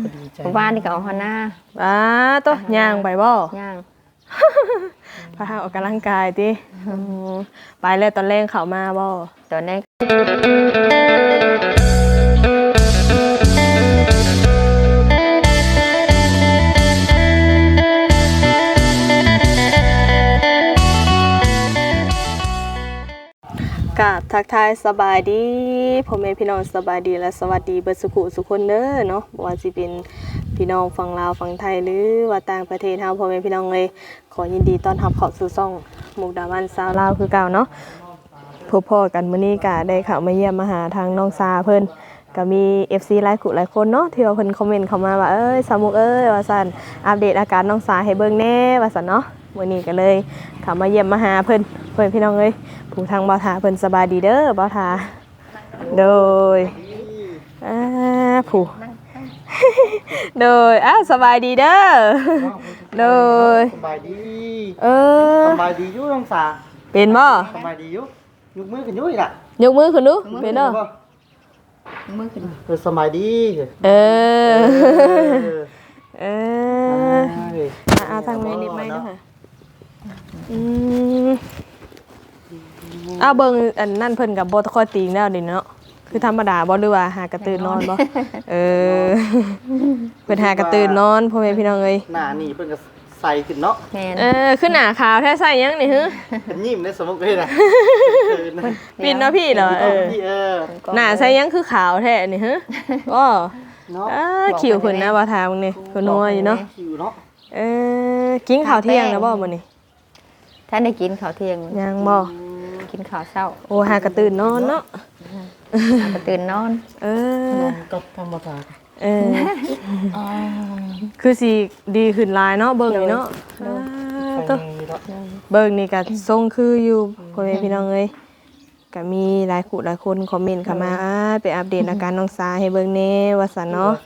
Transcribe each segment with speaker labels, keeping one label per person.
Speaker 1: บ้านนี่ก็เอาหัวหน้า
Speaker 2: ตัวย่างไปบ่
Speaker 1: ย่าง
Speaker 2: พาออกกำลังกายติไปเลยตอนแรกเข้ามาบ่
Speaker 1: ตอนนี้
Speaker 2: กับทักทายสบายดีพ่อแม่พี่น้องสบายดีและสวัสดีเบิดสุขุสุคนเด้อเนาะว่าสิเป็นพี่น้องฝั่งลาวฝั่งไทยหรือว่าต่างประเทศเฮาพ่อแม่พี่น้องเลยขอยินดีต้อนรับเข้าสู่ช่องมุกดาวันสาวลาวคือเก่าเนาะพบพ่อกันมื้อนี้ก็ได้เข้ามาเยี่ยมมาหาทางน้องซาเพิ่นก็มี FC หลายคนเนาะที่ว่าเพิ่นคอมเมนต์เข้ามาว่าสาวมุกว่าซั่นอัปเดตอาการน้องซาให้เบิ่งแน่ว่าซั่นเนาะมื้อนี้ก็เลยเข้ามาเยี่ยมมาหาเพิ่นพี่น้องเอ้ยผู้ทางบ่าวทาเพิ่นสบายดีเด้อบ่าวทาโดยผู้โดยสบายดีเด้อโดย
Speaker 3: สบายดีสบายดีอยู่น้องสา
Speaker 2: เป็นบ่
Speaker 3: สบายดีอยู่ยกมือขึ้นอยู่อีกล่ะ
Speaker 2: ยกมือขึ้นดูเป็นเด้อ
Speaker 1: มือขึ้น
Speaker 3: สบายดี
Speaker 2: ทางแม่นิดไหมด้วยค่ะเบิ่งอันนั่นเพิ่นกับบ่ค่อยตีงแล้วนี่เนาะคือธรรมดาบ่หรือว่าหากระตื่นนอนบ่เพิ่นหากระตื่นนอนพ่อแม่พี่น้องเอ้ย
Speaker 3: หน้านี่เพิ่นก็ใส่ขึ้นเนาะ
Speaker 2: คือหน้าขาวแท้ใส่ยังนี่ฮึ
Speaker 3: เป็นยิ้มได้สมมุติเลยนะ
Speaker 2: ปิ่นเนาะพี่เหรอหน้าใส่ยังคือขาวแท้นี่ฮึอ้อคิวเพิ่นนะบ่ทางนี่เพิ่นนัวอยู่เนาะ
Speaker 3: คิวเนาะ
Speaker 2: กินข้าวเที่ยงแล้วบ่มื้อนี้
Speaker 1: ท่านได้กินข้าวเที่ยง
Speaker 2: ยังบ่
Speaker 1: กินข้าวเช้า
Speaker 2: โอ้หากระตื่นนอนเนาะ
Speaker 1: กระตื่นนอน
Speaker 3: ก็ธรรมดา
Speaker 2: คือสิดีขึ้นหลายเนาะเบิ่งนี่เนาะเบิ่งนี่ก็ทรงคืออยู่พ่อแม่พี่น้องเอ้ยก็มีหลายคนคอมเมนต์เข้ามาไปอัปเดตอาการน้องสาให้เบิ่งแน่ว่าซั่นเนาะ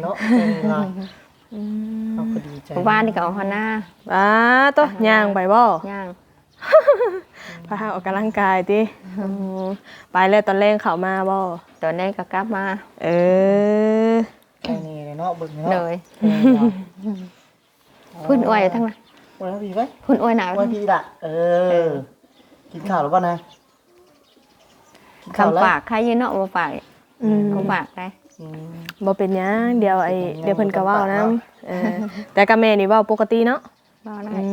Speaker 1: บ้านนี่ก็เอาหัวหน้า
Speaker 2: ตัวย่างไปบ่
Speaker 1: ย่าง
Speaker 2: พาออกกำลังกายติไปเลยตอนแรกเข้ามาบ่
Speaker 1: ตอนนี้ก็กลับมา
Speaker 3: แค่นี้เนาะเบิ่งเนาะ
Speaker 1: เลยพุ่นอวยทั้งนั้น
Speaker 3: อวยพี่ไว้
Speaker 1: พุ่นอวยหนาว
Speaker 3: อวยพี่ล่ะกินข้าวหรือเปล่านะ
Speaker 1: คำฝากใครยืนเนาะบ่ฝากคำฝากได้
Speaker 2: บ่เป็นหยังเดี๋ยวเพิ่นก็เว้านำแต่กับแม่นี่เว้าปกติเนาะ
Speaker 1: เว้าได้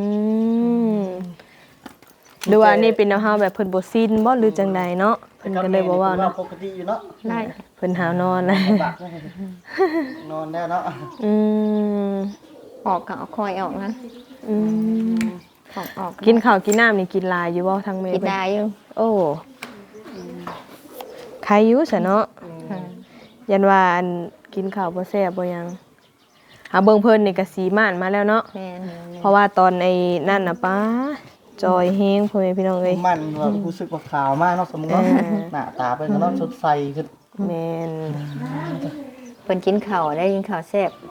Speaker 2: หรือว่านี่เป็นเฮาแบบเพิ่นบ่ซินบ่หรือจังใดเนาะเพิ่นก็เลยบ่เว้าเนาะ
Speaker 3: ปกติอยู่เนาะ
Speaker 1: ได้
Speaker 2: เพิ่นหาวนอน
Speaker 3: นอนแล้วเนาะ
Speaker 1: ออกก็คอยออกนะออก
Speaker 2: กินข้าวกินน้ำนี่กินหลายอยู่บ่ทางแม่
Speaker 1: กินได้อยู่
Speaker 2: โอ้ใครอยู่ซะเนาะยันว่าอันกินข้าวบ่แซ่บบ่หยังเบิ่งเพิ่นนี่ก็สีม่านมาแล้วเนาะเพราะว่าตอนไอ้นั่นน่ะป้าจอยแฮงพ่อแม่พี่น้องเอ้ย
Speaker 3: มันรู้สึกว่าขาวมากเนาะสมมุติว่าหน้าตาเป็นเนาะสดใสขึ้น
Speaker 2: แม่น
Speaker 1: เพิ่นกินข้าวได้กินข้าวแซ่บ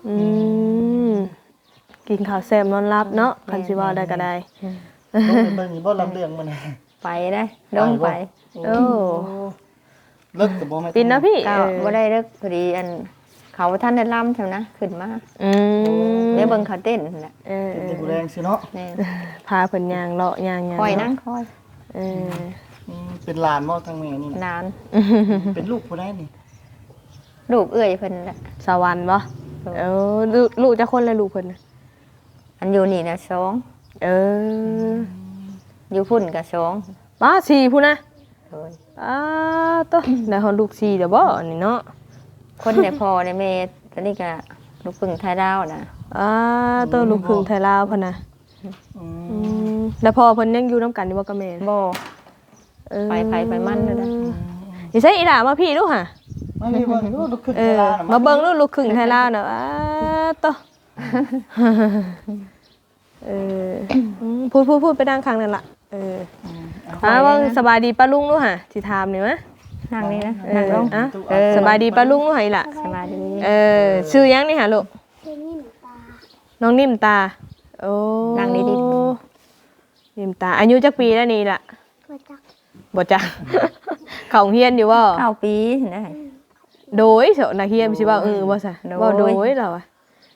Speaker 2: กินข้าวแซ่บนอนหลับเนาะคันสิว่าได้ก็ได้
Speaker 3: เบิ่งบ่ลำเรื่องมัน
Speaker 1: ไปได้ลงไป
Speaker 3: เลิกก็บ่แม่น
Speaker 2: ปิ่นนะพี่
Speaker 1: ก็บ่ได้เลิกพอดีอันเขาท่านได้ล่ำใช่นะขึ้นมาได้เบิ่งเขาเต้นนั่นแหละ
Speaker 3: เป็นผู้แรงสิเนาะ
Speaker 2: พาเพิ่นย่างเลาะย่าง
Speaker 1: คอยนั่งคอย
Speaker 3: เป็นหลานบ่ทางแม่นี่
Speaker 1: หลาน
Speaker 3: เป็นลูกผู้ใดนี่
Speaker 1: ลูกเอื้อยเพิ่นน่ะ
Speaker 2: สวรรค์บ่ลูกจักคนเลยลูกเพิ่น
Speaker 1: อันอยู่นี่นะ2อยู่พุ่นก็2
Speaker 2: 4พุ่นนะตัวได้ฮอดลูก4เด้อบ่อันนี้เนาะ
Speaker 1: คนในพ่อในแม่ตอนนี้ก็ลูกพึ่งไทยดาวนะ
Speaker 2: ตัวลูกพึ่งไทยลาวพ่นนะแล้วพ่อเพิ่นยังอยู่น้ำกันอยู่บ่กับแม่
Speaker 1: บ่ไปมันเลยนะ
Speaker 2: นี่ใช่อีหล่ามาพี่ลูกค่ะ
Speaker 3: มาพี่เบิ่งลูกครึ่งไทยลาว
Speaker 2: มาเบิ่งลูกครึ่งไทยลาวเนาะตัวพูดไปนั่งข้างนั่นล่ะว่าสบายดีป้าลุงลูกค่ะสิถามนี่มั้ย
Speaker 1: นั่งนี่นะนั่งลง
Speaker 2: สบายดีป้าลุงลูกไหล่ะ
Speaker 1: สบายดี
Speaker 2: ชื่อยังนี่หะลูกน้องนิ่มตาโอ้
Speaker 1: นั่งดี
Speaker 2: นิ่มตาอายุจักปีแล้วนี่ล่ะบ่จักเขาเฮียนอยู่บ่
Speaker 1: 9 ปีได้
Speaker 2: โดยเสานักเรียนสิว่าบ่ซะบ่โดยเราอ่ะ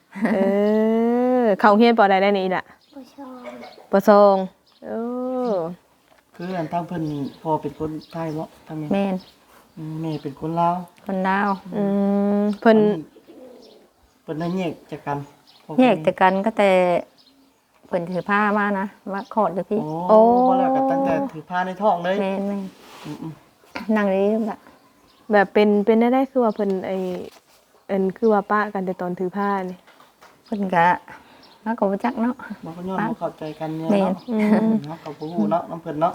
Speaker 2: เข้าเรียนปอใดได้นี่ล่ะปสองโอ้
Speaker 3: คืออันทางเพิ่นพ่อเป็นคนไทยบ่ทางแม่
Speaker 1: แม่น
Speaker 3: แม่เป็นคนลาว
Speaker 1: คนลาว
Speaker 2: เพิ่น
Speaker 3: ได้แยกจากกันพ่อ
Speaker 1: แยกจากกันก็แต่เพิ่นถือผ้ามานะมาขอดเลยพี่
Speaker 3: โอ้บ่แล้วก็ตั้งแต่ถือผ้าในท้องเลย
Speaker 1: แม่น
Speaker 3: อืม
Speaker 1: นั่งนี้ล่ะ
Speaker 2: แบบเป็นได้คือว่าเพิ่นคือว่าป้ากันแต่ตอนถือผ้านี่
Speaker 1: เพิ่นก็มาก็บ่จักเนาะ
Speaker 3: ๆมันก็ย้อนบ่เข้าใจกันเนี่ย
Speaker 1: แม่
Speaker 3: เนาะเนาะก็บ่ฮู้เนาะน้ำเพิ่นเนาะ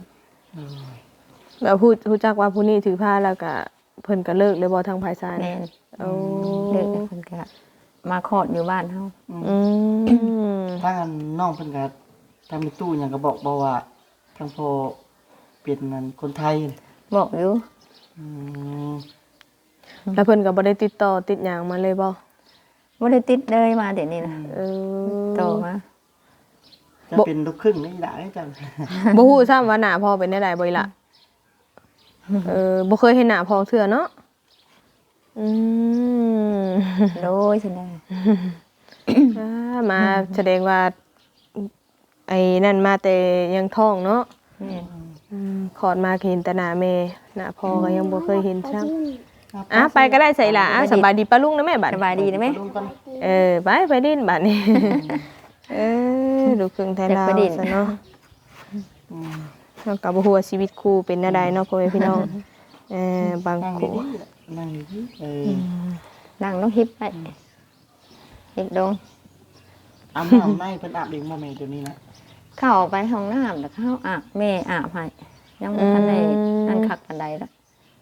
Speaker 2: แบบพูดจักว่าผู้นี้ถือผ้าแล้วก็เพิ่นก็เลิกเลยบ่ทางภายซ้าย
Speaker 1: แม่น
Speaker 2: โอ้
Speaker 1: เด็กเพิ่นก็มาขอดอยู่บ้านเฮา
Speaker 3: ทางอันน้องเพิ่นก็ทางมีตู้หยังก็บอกบ่ว่าทางพ่อเป็นนั่นคนไทย
Speaker 1: บอกอยู่
Speaker 3: อืม
Speaker 2: แล้วเพิ่นก็บ่ได้ติดต่อติดหยังมาเลยบ่
Speaker 1: บ่ได้ติดเลยมาเดี๋ยวนี้นะ
Speaker 2: เออ
Speaker 1: โตมา
Speaker 3: จะเป็นลูกครึ่งนี่ได้จัง
Speaker 2: บ่ฮู้ซ้ำว่าหน้าพ่อเป็นได้ใดบ่อีหล่ะบ่เคยเห็นหน้าพ่อเทื่อเนาะอืม
Speaker 1: โดยซั่นน่ะ
Speaker 2: มาแสดงว่าไอ้นั่นมาแต่ยังท้องเนาะ
Speaker 1: แม่น
Speaker 2: ขอดมาก็เห็นแต่หน้าแม่หน้าพ่อก็ยังบ่เคยเห็นซ้ำไปก็ได้ใส่ล่ะสบายดีป้าลุงนะแม่บัด
Speaker 1: สบายดีนะแม่
Speaker 3: ลุงกัน
Speaker 2: ไปดินบัดนี้ลูกครึ่งไทยลาวซะเนาะเฮาก็บ่ฮู้ว่าชีวิตคู่เป็นแนวใดเนาะพ่อแม่พี่น้องบาง
Speaker 3: นั่ง
Speaker 2: คู่
Speaker 3: ดีๆนั่งดีๆ
Speaker 1: นั่งต้องฮิปไปฮิปลง
Speaker 3: อาบน้ำในเพิ่นอาบเองบ่แม่เดี๋ยวนี้นะ
Speaker 1: เข้าไปห้องน้ำแล้วเข้าอาบแม่อาบให้ยังบ่ทันได้นั่นคักปานใดละ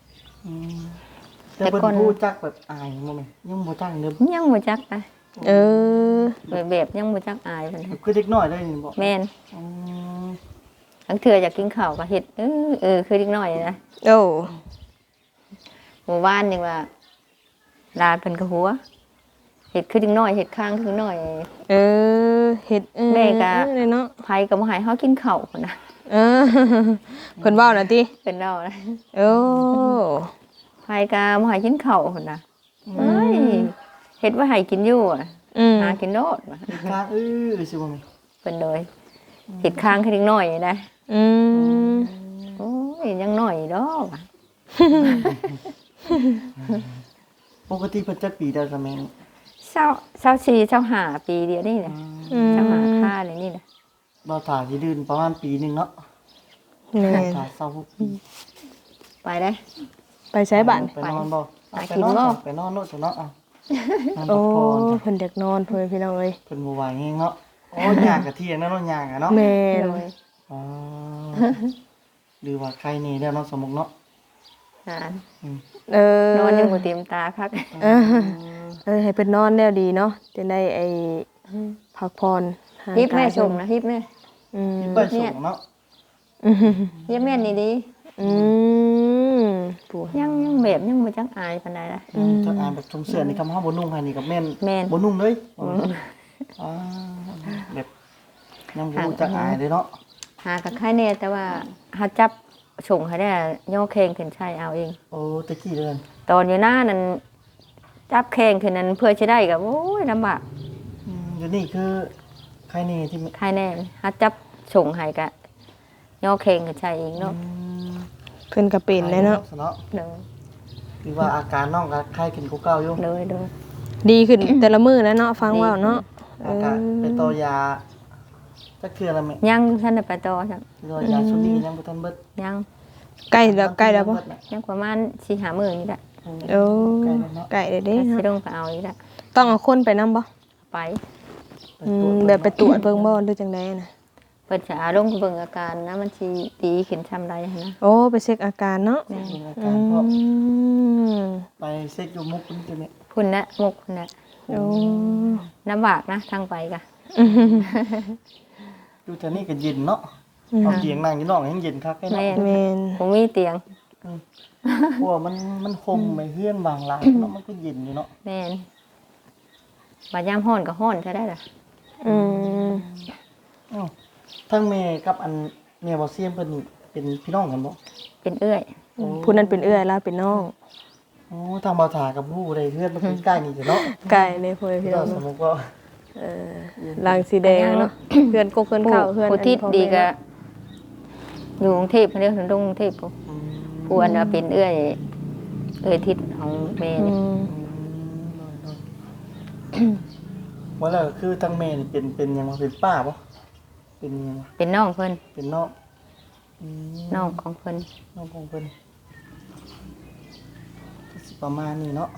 Speaker 3: แต่เพิ่นพูดจักแบบอายบ่แม่ยังบ่จักเด้อ
Speaker 1: ยังบ่จักไป
Speaker 2: เออ
Speaker 1: แบบยังบ่จักอายเพิ่น
Speaker 3: คือเด็กน้อยเลยนี่บ่
Speaker 1: แม่น
Speaker 3: อืม
Speaker 1: บางเทื่ออยากกินข้าวก็เฮ็ดคือเด็กน้อยนะ
Speaker 2: โอ้
Speaker 1: หมู่บ้านนี่ว่าลาเพิ่นก็หัวเฮ็ดคือเด็กน้อยเฮ็ดข้างคือน้อย
Speaker 2: เฮ็ด
Speaker 1: แม่ก็
Speaker 2: เนาะ
Speaker 1: ไผก็บ่ให้เฮากินข้าวพุ่นน่ะ
Speaker 2: เพิ่นเว้าน่ะติ
Speaker 1: เพิ่นเว้านะ
Speaker 2: โอ้
Speaker 1: ไผก็บ่ให้กินข้าวพุ่นน่ะเอ้ยเฮ็ดว่าให้กินอยู่อะหากินโลดว่ะ
Speaker 3: กาสิบ่แม่
Speaker 1: เพิ่นเลยเฮ็ดข้างคือเด็กน้อยนะ
Speaker 2: อืม
Speaker 1: โอ้ยยังน้อยดอกว่ะ
Speaker 3: ปกติเพิ่นจักปีได้กับแม่
Speaker 1: 24 25ปีเดียวนี่แหละ25ค่าเลยนี่แหละ
Speaker 3: บ่ถ่าสิดืนประมาณปีหนึงเนาะ
Speaker 2: แม่น
Speaker 3: ถ่า26ปี
Speaker 1: ไปได้
Speaker 2: ไปใช้บ้าน
Speaker 3: ไปนอนบ่
Speaker 1: ไป
Speaker 3: ไป
Speaker 1: กิน
Speaker 3: นอน
Speaker 1: บ่
Speaker 3: ไปนอนโลดซะเนาะอ่ะนอน
Speaker 2: โอ้
Speaker 3: พักผ่อน
Speaker 2: เพิ่นอยากนอนเพิ่นพี่น้องเอ้ย
Speaker 3: เพิ่นบ่ไหวแฮงเนาะโอ้ยากกะเที่ยงนะเนาะยากอะเนาะ
Speaker 2: แม่น
Speaker 1: เลย
Speaker 3: อ๋อหรือว่าใครนี่แล้วเนาะสมมุติเนาะ
Speaker 1: หาน
Speaker 2: น
Speaker 1: นอนยังบ่เต็มตาคัก
Speaker 2: ให้เพิ่นนอนแล้วดีเนาะจะได้ไอ้พักผ่อน
Speaker 1: ฮิปแม่ชมนะฮิปแม่
Speaker 2: อืม
Speaker 3: ไปส่งเนาะ
Speaker 1: เยี่ยมแม่นนี่ดี
Speaker 2: อืมปู่
Speaker 1: ยังแบบยังบ่จักอายปานใดล่ะ
Speaker 3: ถ้าอ่านแบบชมเสือนี่คำเฮาบ่นุ่งให้นี่ก็แม่น
Speaker 1: แม่น
Speaker 3: บ่นุ่งเลยอ่าแบบยังบ่รู้จักอายเลยเนาะ
Speaker 1: หากับใครแน่แต่ว่าหาจับส่งให้ได้ย่อแข้งขึ้นใช้เอาเอง
Speaker 3: โอ้ตะกี้เดือน
Speaker 1: ตอนอยู่หน้านั้นจับแข้งขึ้นนั้นเพื่อจะได้ก็โอ้ยลำบาก
Speaker 3: เดี๋ยวนี้คือใครนี่ที่
Speaker 1: ใครแน่หาจับส่งให้ก็ย่อแข้งขึ้นใช้เองเนาะ
Speaker 2: เพิ่นก็เป็นเลยเนาะ
Speaker 3: เนาะ
Speaker 1: เด้อ
Speaker 3: คือว่าอาการน้องก็ไข้ขึ้นกว่าเก่าอยู่
Speaker 1: เด้อเด้อ
Speaker 2: ดีขึ้นแต่ละมื้อแล้วเนาะฟังเว้าเนาะ
Speaker 3: อาการไปต่อยาจักเทื่อละแม่
Speaker 1: ยังท่านได้ไปต่อจัง
Speaker 3: ต่อยาชุดนี้ยังบ่ทันเบิด
Speaker 1: ยัง
Speaker 2: ใกล้แล้วบ่
Speaker 1: ยังประมาณ4-5 มื้อนี่แหละ
Speaker 2: โอ้
Speaker 3: ใกล้แล้วเนาะ
Speaker 2: ใกล้แล้วเด้
Speaker 1: สิ
Speaker 2: เนาะ
Speaker 1: ลงไปเอาอีกแล้ว
Speaker 2: ต้องเอาคนไปนำบ่
Speaker 1: ไป
Speaker 3: ไปตรวจ
Speaker 2: แบบไปตรวจเบิ่งบ่หรือจังไดน่ะ
Speaker 1: เปิดจะเอาลงไปเบิ่งอาการนะมันสิดีขึ้นชำใดหั้นนะ
Speaker 2: โอ้ไปเช็คอาการเนาะ
Speaker 3: เบิ่งอา
Speaker 2: อื
Speaker 3: การเพราะ
Speaker 2: ม
Speaker 3: ไปเซ็กอยู่มุกนี่จังได๋
Speaker 1: พุ่นนะมุกพุ่นนะ
Speaker 2: โอ้
Speaker 1: ลำบากนะทางไปกะ
Speaker 3: อยู่แถวนี้ก็เย็นเนาะเอาเตียงนั่งอยู่นอกยังเย็นคักแค่เนาะ
Speaker 1: แม่น
Speaker 2: แม่น
Speaker 1: ผมมีเตียง
Speaker 3: เพราะว่ามันคมไปเฮือนบางหลังเนาะมันก็เย็นอยู่เนาะ
Speaker 1: แม่นบาดยามฮ้อนก็ฮ้อนใช่ได้ล่ะ
Speaker 2: อืม
Speaker 3: อ้าวทั้งแม่กับอันแม่บ่เซียมเพิ่นนี่เป็นพี่น้องกันบ่
Speaker 1: เป็นเอื้อย
Speaker 2: ผู้นั้นเป็นเอื้อยลาเป็นน้อง
Speaker 3: อโอ้ทางบ่าวถากับผู้ใดเพื่อนมันใกล้นี่จ้ะเนาะ
Speaker 2: ไก่ในพ่อแม่พี่น้
Speaker 3: ก็
Speaker 2: อง
Speaker 3: สม
Speaker 2: เนาะ
Speaker 3: มุติว่า
Speaker 2: ลางสีแดงเนาะเพื่อนกกเพื่อนเข้าเพื่อน
Speaker 1: ผู้ทิศ
Speaker 2: พ่อแม่
Speaker 1: ดีก็อยู่กรุงเทพเด้อถึงกรุงเทพผู้
Speaker 3: อืม
Speaker 1: ผู้อันว่าเป็นเอื้อยทิศของแม่
Speaker 2: อื
Speaker 1: นี่
Speaker 2: ม
Speaker 3: ว่าแล้วคือทั้งแม่นี่เป็นหยังว่าเป็นป้าบ่เป็นหยังวะ
Speaker 1: เป็นน้องเพิ่น
Speaker 3: เป็นน้องอืม
Speaker 1: น้องของเพิ่น
Speaker 3: น้องของเพิ่นสิประมาณนี้เนาะ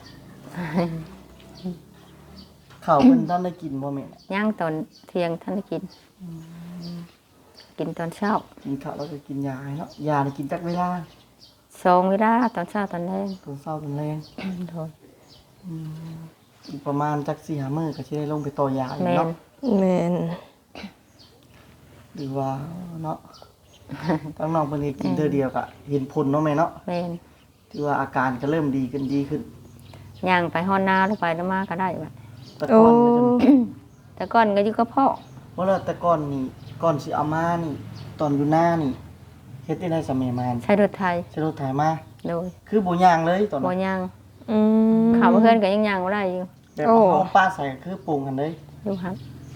Speaker 3: ข้าวเพิ่นท่านได้กินบ่แม่
Speaker 1: ย่างตอนเที่ยงท่านได้กิน กินตอนเช้า
Speaker 3: กินข้าวแล้วก็กินยาให้เนาะยานี่กินจักเวลา
Speaker 1: 2เวลาตอนเช้าตอนแลง
Speaker 3: ตอนเช้าตอนแลง
Speaker 1: โดย
Speaker 3: อีกประมาณจัก4-5มื้อก็สิได้ลงไปต่อยาอีก
Speaker 1: แม่น
Speaker 3: เนาะ
Speaker 2: แม่น
Speaker 3: หรือว่าเนาะ ทั้งน้องเพิ่นก็กินเทื่อเดียวก็เห็นผลเนาะแม่เนาะ
Speaker 1: แม่น
Speaker 3: ที่ว่าอาการก็เริ่มดีขึ้น
Speaker 1: ย่างไปฮอนนาแล้วไปแล้วมาก็ได้บัด
Speaker 3: แต่ก่อนเนี่ยจะ
Speaker 1: แต่ก่อนก็อยู่กับพ่อ
Speaker 3: ว่าแล้วแต่ก่อนนี่ก่อนสิเอามานี่ตอนอยู่หน้านี่เฮ็ดได้สมัยมา
Speaker 1: ใช้รถไทย
Speaker 3: ใช้รถไถมา
Speaker 1: โดย
Speaker 3: คือบ่ย่างเลยตอน
Speaker 1: บ่
Speaker 3: นั้น
Speaker 1: ย่าง
Speaker 2: อืม
Speaker 1: ข้าวเพื่อนก็ยังย่างบ่ได้อยู่
Speaker 3: แบบ
Speaker 2: โอ้
Speaker 3: เอาป้าใส่ก็คือปรุงกันเลย
Speaker 1: อยู่ครับ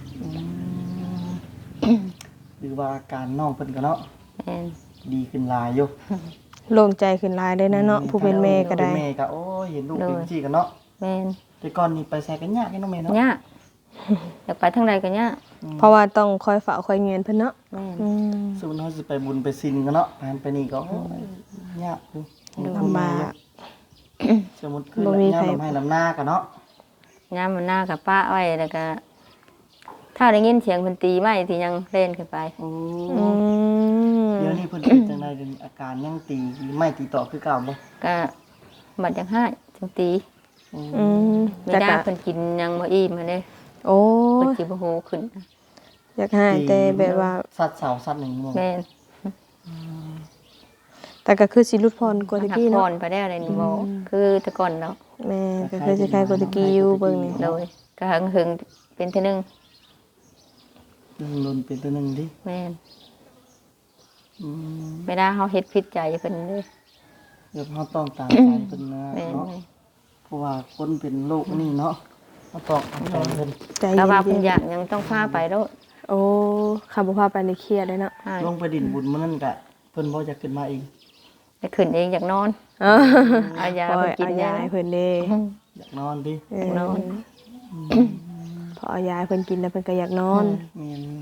Speaker 3: หรือว่าอาการน้องเพิ่นก็เนาะ
Speaker 1: แม่น
Speaker 3: ดีขึ้นหลายอยู่
Speaker 2: โล่งใจขึ้นหลายได้นะเนาะผู้เป็นแม่ก็ได้
Speaker 3: เป็นแม่ก็โอ้ยเห็นลูกเป็นซี่กันเนาะ
Speaker 1: แม่น
Speaker 3: แต่ก่อนนี่ไปใส่กันยากให้น้องแม่เนาะ
Speaker 1: ยากอยากไปทางใดก็ยาก
Speaker 2: เพราะว่าต้องคอยเฝ้าคอยเงียนเพิ่นเนาะ
Speaker 1: แม่น
Speaker 2: อืม
Speaker 3: สมมุติเฮาสิไปบุญไปศีลกันเนาะไปนี่ก็โอ้ยยากอยู่
Speaker 2: ลำบาก
Speaker 3: สมมุติคือ
Speaker 2: บ่มี
Speaker 3: ยาม
Speaker 2: ใคร
Speaker 3: ลำให้ลำหน้ากันเนาะ
Speaker 1: ยามมันหน้ากับป้าไว้แล้วก็ ถ้าได้ยินเสียงเพิ่นตีไม้ที่ยังเล่นขึ้นไป
Speaker 3: โอ้
Speaker 2: อืม
Speaker 3: เดี๋ยวนี้เพิ่นเป็นจังไดเดี๋ยวนี้อาการยังตีไม่ตีต่อคือเก่าบ่
Speaker 1: ก็บัดยังให้จังตี
Speaker 2: อืม
Speaker 1: ไม่
Speaker 2: แต่
Speaker 1: ได้
Speaker 2: ก็
Speaker 1: เพิ่นกินยังบ่อิ่มมาเด้
Speaker 2: โอ้
Speaker 1: เพิ่น
Speaker 2: ย
Speaker 1: สิบ่ฮู้ขึ้น
Speaker 2: อยากให้แต่แบบว่า
Speaker 3: สัตว์เสาสัตว์หนึ่งบ่
Speaker 1: แม่น
Speaker 2: แต่ก็คือสิรุดพรกว่าตะ
Speaker 1: หัก
Speaker 2: กี้
Speaker 1: พ
Speaker 2: เนาะ
Speaker 1: รไปได้อะไรนี่บ่คือแต่ก่อนแล้ว
Speaker 2: แม่ก็คือสิคล้ายกว่าตะกี้อยู่เบิ่งนี่
Speaker 1: โดยก็หึงๆเป็นเทื่อนึง
Speaker 3: หนึ่งลนเป็นตัวหนึ่งดิ
Speaker 1: แม่น
Speaker 3: อืม
Speaker 1: ไม่ได้เฮาเฮ็ดผิดใจเพิ่นเด้
Speaker 3: เดี๋ยวเราต้องตามใจเพิ่นนะ
Speaker 1: แม่น
Speaker 3: เนาะเพราะว่าคนเป็นโรคนี่เนาะเราต้องตามใจเพิ่น
Speaker 2: ใจ
Speaker 1: แต่ว่า
Speaker 2: เย็
Speaker 1: เพิ่น
Speaker 2: น
Speaker 1: อยากยังต้องพาไปแล้ว
Speaker 2: ๆโอ้ขับบ่พาไปในเครียดเลยเนาะ
Speaker 1: ใช่
Speaker 3: ลงไปดินบุญมื้อนั้นก็เพิ่นบ่จะขึ้นมาเอง
Speaker 1: ไปขึ้นเองอยากนอน
Speaker 2: เออ
Speaker 1: เอายา
Speaker 2: ปล่
Speaker 1: ไป
Speaker 2: อย
Speaker 1: กิ
Speaker 2: เอา
Speaker 1: น
Speaker 2: ยาย
Speaker 1: า
Speaker 2: ให้เพิ่นเด้
Speaker 3: อยากนอนดิ
Speaker 2: เออน
Speaker 1: อน
Speaker 2: พอเอายาให้เพิ่นกินแล้วเพิ่นก็อยากนอน
Speaker 3: แม่น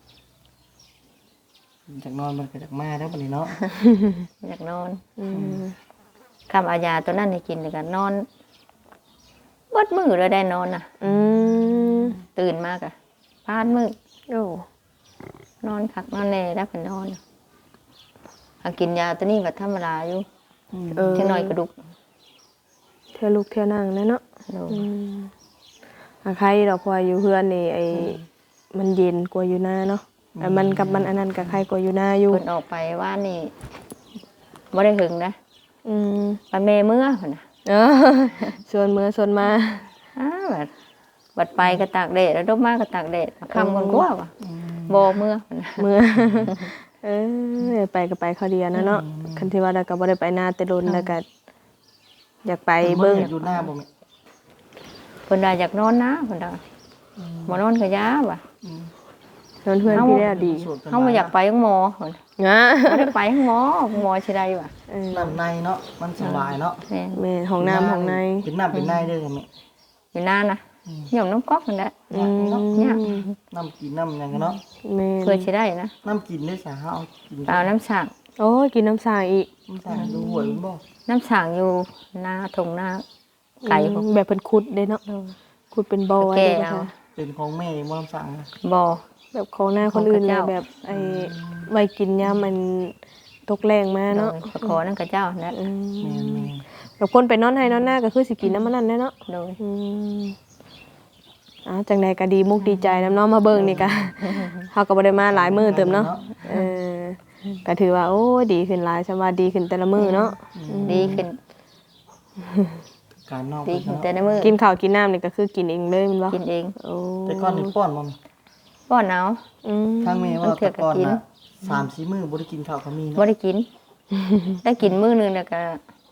Speaker 3: จากนอนมันก็จากมาแล้วบัดนี้เนาะ
Speaker 1: อยากนอน
Speaker 2: อืม
Speaker 1: คำเอายาตัวนั้นให้กินแล้วก็นอนเบิดมื้อเลยได้นอนน่ะ
Speaker 2: อืม
Speaker 1: ตื่นมากอะพานมื้อ
Speaker 2: โอ้
Speaker 1: นอนคักนอนแน่แล้วเพิ่นนอนเอากินยาตัวนี้ก็ธรรมดาอยู่
Speaker 2: เออ
Speaker 1: จังน้อยกระดูก
Speaker 2: เทื่อลูกเทื่อนั่งนะเนาะ
Speaker 1: โดย
Speaker 2: อืมอาใครดอกเพราะว่าอยู่เฮือนนี่ไอ้มันเย็นกว่าอยู่หน้าเนาะไอ้มันกับมันอันนั้นกับใครกว่าอยู่หน้าอยู่
Speaker 1: เพิ่นออกไปว่านี่บ่ได้หึงนะ
Speaker 2: อืม
Speaker 1: ไปแม่เมื่อเพิ่นน่ะ
Speaker 2: เออชวนมือชวนมา
Speaker 1: บัดไปก็ตากแดดแล้วดอกมาก็ตากแดดค่ำก่อนกว่าว่ะบ่เมื่อเพิ่นน่ะ
Speaker 2: มือ เออไปก็ไปเขาวเดียวนะเนาะคันที่ว่าเราก็บ่ได้ไปหน้าแต่โดนแล้วก็อยากไปเบิ่ง
Speaker 3: อยู่หน้าบ่แม่
Speaker 1: เพิ่นว่าอยากนอนนะเพิ่นว่าบ่นอนก็ยาว่ะ
Speaker 2: นอนเพื่อนพี่ได้ดี
Speaker 1: เฮาบ่อยากไปห้องหมอเพิ่น
Speaker 2: งะ
Speaker 1: บ่ได้ไปห้องหมอสิได้ว่ะ
Speaker 2: เออ
Speaker 3: น้ำในเนาะมันสบายเนาะ
Speaker 1: แม่น
Speaker 2: แม่ห้องน้ำห้องใน
Speaker 3: เป็นน้ำเป็นในเด้อแม่
Speaker 1: อยู่นานนะหย่อมน้ำก๊อกนั่นแหละ
Speaker 2: อืม
Speaker 1: เนี่ย
Speaker 3: น้ำกินน้ำหยังกันเนาะ
Speaker 2: แม่
Speaker 1: เพื่อสิได้นะ
Speaker 3: น้ำกินได้สาเอากิน
Speaker 1: เอาน้ำฉาง
Speaker 2: โอ้ยกินน้ำสางอีก
Speaker 3: น้ำสางดูหวยมันบ่
Speaker 1: น้ำฉางอยู่หน้าทงหน้าไก่พวก
Speaker 2: แบบเพิ่นขุดเด้เนาะขุดเป็นบ่อไว้
Speaker 1: แก่
Speaker 2: เด้
Speaker 1: เอา
Speaker 2: นะคะ
Speaker 3: เป็นของแม่บ่น้ำสางนะ
Speaker 1: บ่อ
Speaker 2: แบบของหน้าคนอื่น
Speaker 1: ของพระ
Speaker 2: เลย
Speaker 1: เจ้า
Speaker 2: แบบไอ้ไว้กินยามมันตกแรงมา
Speaker 1: เนาะ
Speaker 2: เนาะ
Speaker 1: ขอนั่นกับเจ้านั่น
Speaker 2: อื
Speaker 3: แม่
Speaker 2: ม
Speaker 3: แม่
Speaker 2: แบบคนไปนอนให้นอนหน้าก็คือสิกินน้ำมันนั่นแหละเนาะ
Speaker 1: โดย
Speaker 2: อืมจังใดก็ดีมุกดีใจน้ำเน้องมาเบิ่งนี่ก็ เฮาก็บ่ได้มาหลายมื้อเติมเนาะเออก็ถือว่าโอ้ยดีขึ้นหลายชำว่าดีขึ้นแต่ละมื้อเนาะ
Speaker 1: ดีขึ้น
Speaker 3: การนอก
Speaker 1: ดี
Speaker 3: เพิ่น
Speaker 1: ขึ้นแต่
Speaker 3: เนาะ
Speaker 1: ในมือ
Speaker 2: กินข้าวกินน้ำนี่ก็คือกินเองเลยแมันบ่
Speaker 1: กินเอง
Speaker 2: โอ้
Speaker 3: แต่ก่อนนี่ป้อนบ่แม่
Speaker 1: ป้อนเอา
Speaker 2: อืม
Speaker 3: ทางแม่ว่า
Speaker 1: มันเถื่
Speaker 3: แต่
Speaker 1: อนก็
Speaker 3: ก่อน
Speaker 1: กิน
Speaker 3: น่ะ3-4 มื้อบ่ได้กินข้าวก็มี
Speaker 1: บ่
Speaker 3: เนาะ
Speaker 1: ได้กิน ได้กินมื้อหนึงแล้วก็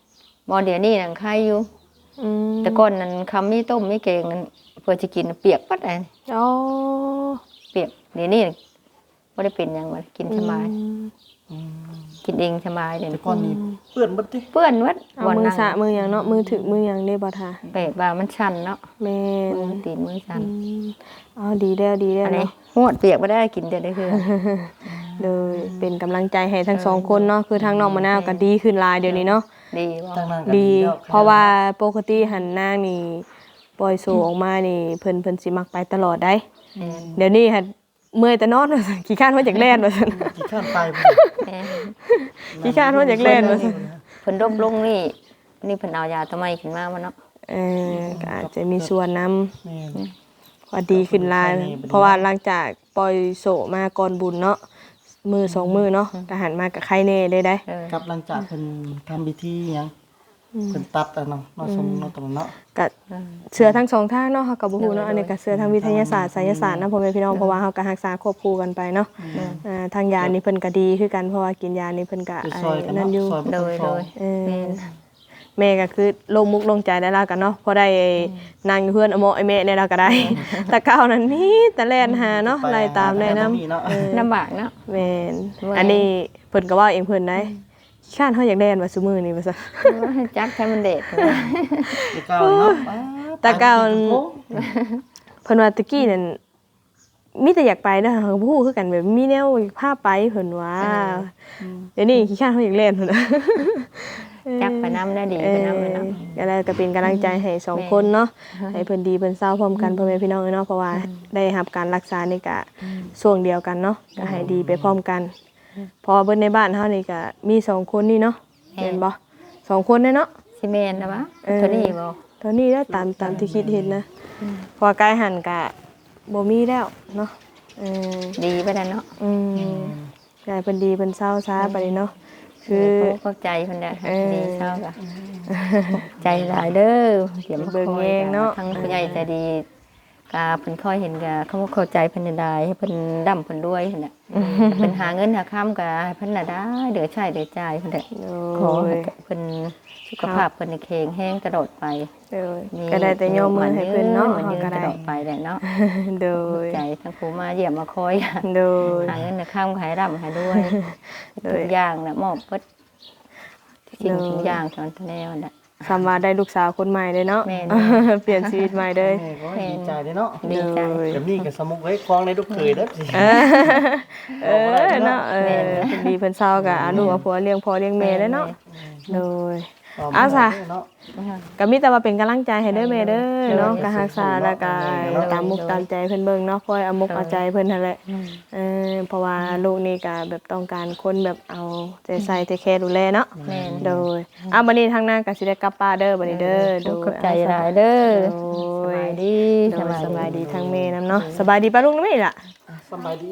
Speaker 1: บ่เดี๋ยวนี้นั่นใครอยู่
Speaker 2: อืม
Speaker 1: แต่ก่อนนั้นคำมีต้มมีแกงนั้นเพื่อจะกินเปียกปัดเลย
Speaker 2: อ๋อ
Speaker 1: เปียกเดี๋ยวนี้ไม่ได้เป็นหยังมันกินสบาย
Speaker 3: อืม
Speaker 1: กินเองสบายเดี๋ยว
Speaker 3: แต่
Speaker 1: นี้
Speaker 3: ก่อนนี้เปื้อนเบิดติ
Speaker 1: เปื้อนวัด
Speaker 2: เอามือสะมือหยังเนาะมือถึกมือหยังได้บ่ทา
Speaker 1: เปดว่ามันชันเนาะ
Speaker 2: แม่น
Speaker 1: มือตีนมือชัน
Speaker 2: อ๋อดีแล้วดีแล้ว
Speaker 1: อันนี้
Speaker 2: เนาะ
Speaker 1: หวดเปียกไม่ได้กินแต่ได้คือ
Speaker 2: เลยเป็นกำลังใจให้ทั้งสองคนเนาะคือทางน้องมะนาวก็ดีขึ้นหลายเดี๋ยวนี้เนาะ
Speaker 1: ดีบ่
Speaker 3: ทางนั้นก็
Speaker 2: ดี
Speaker 3: แล้ว
Speaker 2: เพราะว่าปกติหันนางนี่ปล่อยโซออกมานี่เพิ่นสิมักไปตลอดได้
Speaker 1: แม่น
Speaker 2: เดี๋ยวนี้หันเมื่อยแต่นอนว่าซั่นขี้ข้านว่าจากแล่นว่าซั่น
Speaker 3: กี่ขั้นไปบ่
Speaker 1: แม่น
Speaker 2: ขี้ข้านว่าจากแล่นว่าซั่น
Speaker 1: เพิ่นรบลงนี่เพิ่นเอายาทำไมขึ้นมาเนาะ
Speaker 2: ก็อาจจะมีส่วนนำ
Speaker 3: แม่น
Speaker 2: ว่าดีขึ้นหลายเพราะว่าหลังจากปล่อยโซมาก่อนบุญเนาะมือสองมือเนาะก็หันมากับใครแน่ได้ได้
Speaker 3: ครับหลังจากเพิ่นทำพิธีหยังเพิ่นตัดอะเนาะเนาะสมเนาะตรงนั้นเนาะ
Speaker 2: ก็เชื่อทั้งสองทางเนาะเฮาก็บ่ฮู้เนาะอันนี้ก็เชื่อทางวิทยาศาสตร์ไสยศาสตร์นะพ่อแม่พี่น้องเพราะว่าเฮาก็รักษาควบคู่กันไปเนาะทางยานี่เพิ่นก็ดีคือกันเพราะว่ากินยานี่เพิ่นก็
Speaker 3: คือซอยกัน
Speaker 2: นั่
Speaker 3: เนาะ
Speaker 2: นอยู่
Speaker 3: ซอยบ่
Speaker 1: โด
Speaker 3: ต้อง
Speaker 1: ย
Speaker 3: ฟ
Speaker 1: โด
Speaker 3: อง
Speaker 1: ย
Speaker 2: เออ
Speaker 1: แม่น
Speaker 2: แม่ก็คือลงมุกลงใจได้แล้วกันเนาะพอได้นั่งอยู่เพื่อนอโมไอแม่เนี่ยเราก็ได้ แต่เก่านั้นมีแต่แล่นหาเนาะไล่ตามได้นำ
Speaker 3: เนาะ
Speaker 1: ลำบากเนาะ
Speaker 2: แม่น
Speaker 1: เมื่อย
Speaker 2: อันนี้เพิ่นก็เว้าเองเพิ่นได้ข้านเฮาอยากแล่นว่าซุมื้อนี้ว่าซั่น
Speaker 1: จักให้มันเด็ด
Speaker 3: แต่เก่าเนาะ
Speaker 2: แต่เก่า เพิ่นว่าตะกี้นั่นมีแต่อยากไปเด้อเฮาก็บ่ฮู้คือกันแบบมีแนวพาไปเพิ่นว่าเดี๋ยวนี้ขี้ข้านเฮาอยากเล่นเพิ่นน่ะ
Speaker 1: จักไปน้ำได้ดีไปน้ำไปน้ำ
Speaker 2: ก็เลยก็เป็นกำลังใจให้สองคนเนาะให้เพิ่นดีเพิ่นเศร้าพร้อมกันพ่อแม่พี่น้องเนาะเพราะว่าได้รับการรักษานี่ก็ช่วงเดียวกันเนาะก็ให้ดีไปพร้อมกันเพอเบิ่นในบ้านเฮานี่ก็มีสองคนนี่เนาะเห็นบ่สองคนเนาะ
Speaker 1: ซีเมนต์นะวะเท่านี้บ่
Speaker 2: ตอนนี้ได้ตามที่คิดเห็นนะเพอกายหันก็บ่มีแล้วเนาะเออ
Speaker 1: ดีไปแล้วเนาะ
Speaker 2: กายเพิ่นดีเพิ่นเศร้าช้าไปเลยเนาะคือ
Speaker 1: เข้าใจคนเดียวดีเศร้าค่ะใจหลายเด้อเดี๋ยวมาคอยทั้งผู้ใหญ่ใจดีกาเพิ่นคอยเห็นกาเขาเข้าใจเพิ่นได้ให้เพิ่นดำเพิ่นด้วยนั่นแหละเพิ่นหาเงินหาค้ำกาให้เพิ่นน่ะได้เดือใช้เดือจ่ายเพิ่นแหละขอให้เพิ่นสุขภาพเพิ่นแข็งแรงตลอดไป
Speaker 2: ก็ได้แต่ยอมมือให้เพิ่นเนาะ
Speaker 1: มัน
Speaker 2: เฮา
Speaker 1: ยืน
Speaker 2: ก็
Speaker 1: ต
Speaker 2: ได้
Speaker 1: ลอดไปแหละเนาะ
Speaker 2: โดย
Speaker 1: ใจทั้งครูมาเยี่ยมมาคอย
Speaker 2: โดย
Speaker 1: หาเงินข้ามขายร่ำขายด้วยทุกอย่างนะมอบเปิดสิ่งทุกอย่างตอนแนวน่ะ
Speaker 2: สำว่าได้ลูกสาวคนใหม่เลยเนาะ
Speaker 1: แม่น
Speaker 2: เปลี่ยนชีวิตใหม่เลย
Speaker 3: แม่ก็ดีใจเด้เนาะ
Speaker 1: ดีใจ
Speaker 3: แบบนี้ก็สมุกไว้คล้องในลูกเคยเด้อสิ
Speaker 2: เนาะเพิ่นดีเพิ่นเศร้าก็อาลูกเอาผัวเลี้ยงพ่อเลี้ยงแม่เลยเนาะโดย อาสา
Speaker 3: เนาะ
Speaker 2: ก็มีแต่ว่าเป็นกำลังใจให้เด้อแม่เด้อเนาะก็รักษาแล้วก็ตามมุกตามใจเพิ่นเบิ่งเนาะคอยเอามุกเอาใจเพิ่นนั่นแหละเพราะว่าลูกนี่ก็แบบต้องการคนแบบเอาใจใส่ใจแคร์ดูแลเนาะ
Speaker 1: แม่น
Speaker 2: โดยบัดนี้ทางหน้าก็สิได้กลับป้านเด้อบัดนี้เด้อโดย
Speaker 1: ขอบใจหลายเด้อสบายดี
Speaker 2: โดยสบายดีทางแม่นํเนาะสบายดีป้าลุงนะแม่ล่ะ
Speaker 3: สบายดี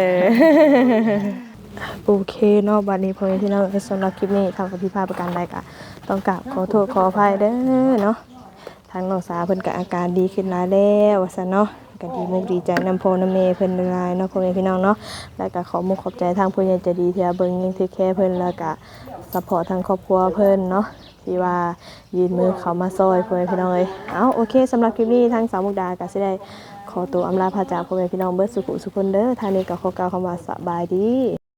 Speaker 2: โอเคเนาะบัดนี้พ่อแม่พี่น้องสำหรับคลิปนี้ทางพิพาทประการใดก็ต้องกราบขอโทษขออภัยเด้อเนาะทางน้องสาวเพิ่นก็อาการดีขึ้นหลายแล้วว่าซั่นเนาะก็ดีมุกดีใจนำพ่อนำแม่เพิ่นหลายเนาะพ่อแม่พี่น้องเนาะแล้วก็ขอมุกขอบใจทางผู้ใหญ่ใจดีที่เบิ่งยังเทคแคร์เพิ่นแล้วก็ซัพพอร์ตทางครอบครัวเพิ่นเนาะที่ว่ายืนมือเข้ามาซอยพ่อแม่พี่น้องเอ้ยเอาโอเคสำหรับคลิปนี้ทางสาวมุกดาก็สิได้ขอตัวอำลาพาจากพ่อแม่พี่น้องเบิดสุขสุขคนเด้อทางนี้ก็ขอกล่าวคำว่าสบายดี